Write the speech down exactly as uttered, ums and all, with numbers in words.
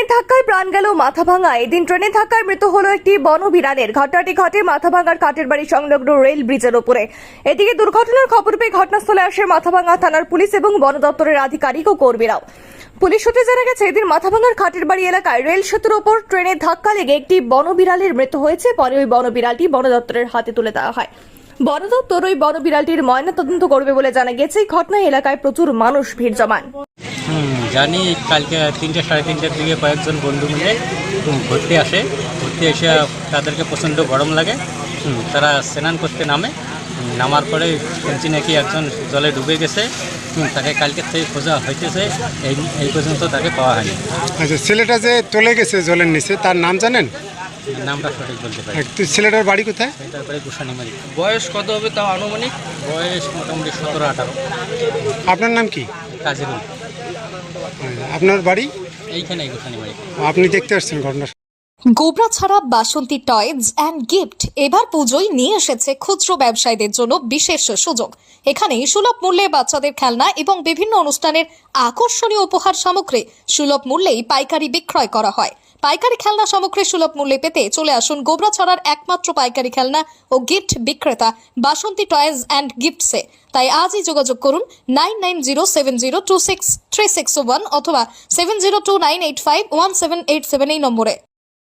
ট্রেনের ধাক্কায় প্রাণ গেল মাথাভাঙা। এদিন ট্রেনের ধাক্কায় মৃত্যু হলো একটি বনবিড়ালের। ঘটনাটি ঘটে মাথাভাঙার কাঠের বাড়ি সংলগ্ন রেল ব্রিজের উপরে। এদিকে দুর্ঘটনার খবর পেয়ে ঘটনাস্থলে আসে মাথাভাঙা থানার পুলিশ এবং বন দপ্তরের আধিকারিক ও কর্মীরাও। পুলিশ সূত্রে জানা গেছে, এদিন মাথাভাঙার খাটের বাড়ি এলাকায় রেল সেতুর ওপর ট্রেনের ধাক্কা লেগে একটি বনবিড়ালের মৃত্যু হয়েছে। পরে ওই বনবিড়ালটি বন দপ্তরের হাতে তুলে দেওয়া হয়। বন দপ্তর ওই বনবিড়ালটির ময়নাতদন্ত করবে বলে জানা গেছে। এই ঘটনায় এলাকায় প্রচুর মানুষ ভিড় জমান। হুম জানি কালকে তিনটে সাড়ে তিনটের দিকে কয়েকজন বন্ধু মিলে হুম, ঘুরতে আসে ঘুরতে এসে তাদেরকে প্রচণ্ড গরম লাগে। হুম, তারা স্নান করতে নামে। হুম, নামার পরে শুনছি নাকি একজন জলে ডুবে গেছে। হুম, তাকে কালকের থেকে খোঁজা হইতেছে, এই এই পর্যন্ত তাকে পাওয়া হয়নি। আচ্ছা, ছেলেটা যে চলে গেছে জলের নিচে, তার নাম জানেন? নামটা সঠিক বলতে পারি। একটু ছেলেটার বাড়ি কোথায়? তারপরে গুসানিমারি। বয়স কত হবে তাও আনুমানিক? বয়স মোটামুটি সতেরো আঠারো। আপনার নাম কি? কাজিরুল। আপনার বাড়ি এইখানে গুসানিমারি। আপনি দেখতে আসছেন ঘটনা? গোবরা ছাড়া বাসন্তী টয়েজ অ্যান্ড গিফট এবার পুজোয় নিয়ে এসেছে খুচরো ব্যবসায়ীদের জন্য বিশেষ সুযোগ। এখানে সুলভ মূল্যে বাচ্চাদের খেলনা এবং বিভিন্ন অনুষ্ঠানের আকর্ষণীয় উপহার সামগ্রী সুলভ মূল্যেই পাইকারি বিক্রয় করা হয়। পাইকারি খেলনা সামগ্রী সুলভ মূল্যে পেতে চলে আসুন গোবরা ছাড়ার একমাত্র পাইকারি খেলনা ও গিফট বিক্রেতা বাসন্তী টয়েজ অ্যান্ড গিফটসে। তাই আজই যোগাযোগ করুন nine nine zero seven zero two six three six one অথবা seven zero two nine eight five one seven eight seven এই নম্বরে।